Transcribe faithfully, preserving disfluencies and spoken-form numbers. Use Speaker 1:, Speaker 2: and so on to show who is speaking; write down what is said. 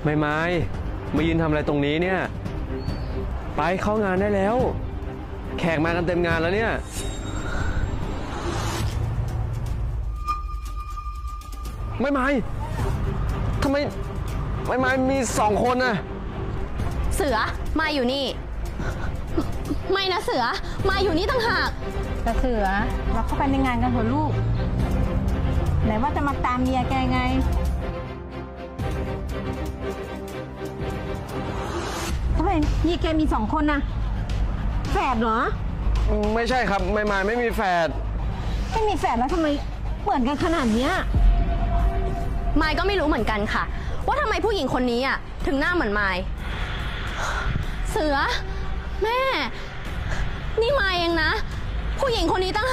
Speaker 1: ไม่ไม่มายืนทำอะไรตรงนี้เนี่ยไปเข้างานได้แล้วแขกมากันเต็มงานแล้วเนี่ยไม่ไม่ทำไมไม่ไม่มีสองคนน่ะ
Speaker 2: เสือมาอยู่นี่ไม่นะเสือมาอยู่นี่ต่างหาก
Speaker 3: แต่เสือเราเข้าไปในงานกันเถอะลูกไหนว่าจะมาตามเมียแกไงทำไมเมียแกมีสองคนนะแฝดเหรอ
Speaker 1: ไม่ใช่ครับไม่ไม่ไม่มีแฝด
Speaker 3: ไม่มีแฝดแล้วทำไมเหมือนกันขนาดเนี้ย
Speaker 2: มายก็ไม่รู้เหมือนกันค่ะว่าทำไมผู้หญิงคนนี้อ่ะถึงหน้าเหมือนมายเสือแม่นี่มายเองนะผู้หญิงคนนี้ตั้ง